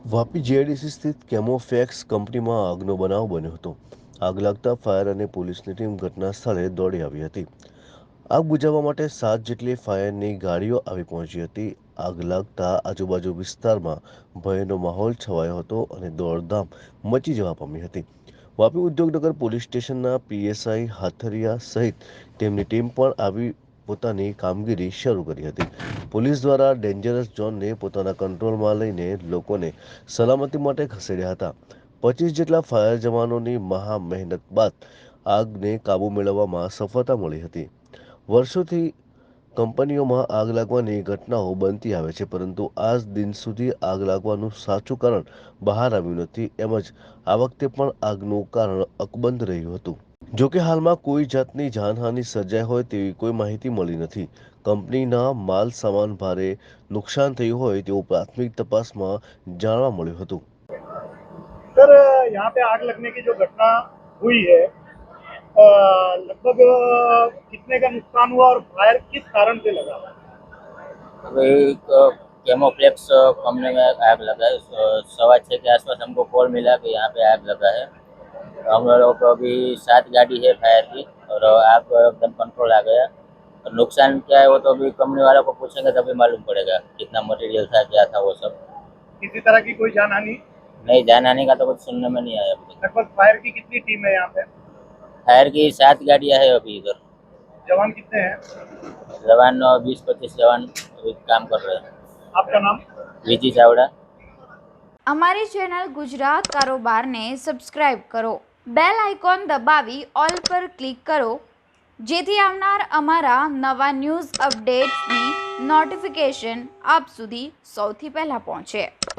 Vapi GIDC સ્થિત કેમોફેક્સ કંપનીમાં આગનો બનાવ બન્યો હતો। આગ લાગતા ફાયર અને પોલીસની ટીમ ઘટના સ્થળે દોડી આવી હતી। આગ બુઝાવવા માટે 7 જેટલી ફાયરની ગાડીઓ આવી પહોંચી હતી। આગ લાગતા આજુબાજુ વિસ્તારમાં ભયનો માહોલ છવાયો હતો અને દોડધામ મચી જવા પામી હતી। વાપી ઉદ્યોગનગર પોલીસ સ્ટેશનના પીએસઆઈ હાથરિયા સહિત તેમની ટીમ પણ આવી પોતાની કામગીરી શરૂ કરી હતી। પોલીસ દ્વારા ડેન્જરસ ઝોનને પોતાના કંટ્રોલમાં લઈને લોકોને સલામતી માટે ખસેડ્યા હતા। 25 જેટલા ફાયર જવાનોની મહા મહેનત બાદ આગને કાબૂ મેળવવામાં સફળતા મળી હતી। વર્ષોથી કંપનીઓમાં આગ લાગવાની ઘટનાઓ બનતી આવે છે, પરંતુ આજ દિન સુધી આગ લાગવાનું સાચું કારણ બહાર આવ્યું નથી। એમ જ આ વખતે પણ આગનું કારણ અકબંધ રહ્યું હતું। જોકે હાલમાં કોઈ જાતની જાનહાનિ સર્જાઈ હોય તેવી કોઈ માહિતી મળી નથી। કંપનીના માલ સામાન ભારે નુકસાન થયું હોય તેવું પ્રાથમિક તપાસમાં જાણવા મળ્યું હતું। सर, यहाँ पे आग लगने की जो घटना हुई है, लगभग कितने का नुकसान हुआ और फायर किस कारण से लगा? अभी केमोफ्लेक्स कंपनी में आग लगा है। 6:15 के आसपास हमको कॉल मिला कि यहाँ पे आग लगा है। हम लोग अभी 7 गाड़ी है फायर की और आग एकदम कंट्रोल आ गया। और नुकसान क्या है वो तो अभी कंपनी वालों को पूछेंगे तभी मालूम पड़ेगा, कितना मटेरियल था, क्या था वो सब। किसी तरह की कोई जानहानि? नहीं, जान आने का तो कुछ सुनने में नहीं आया अभी तक। लगभग फायर की कितनी टीम है यहाँ पे? फायर की 7 गाड़ियाँ है अभी इधर। जवान कितने हैं? जवान 20-25 जवान अभी काम कर रहे हैं। आपका नाम? विजी चावड़ा। અમારી ચેનલ ગુજરાત કારોબારને સબસ્ક્રાઇબ કરો, બેલ આઇકોન દબાવી ઓલ પર ક્લિક કરો, જેથી આવનાર અમારા નવા ન્યૂઝ અપડેટ્સની નોટિફિકેશન આપ સુધી સૌથી પહેલાં પહોંચે।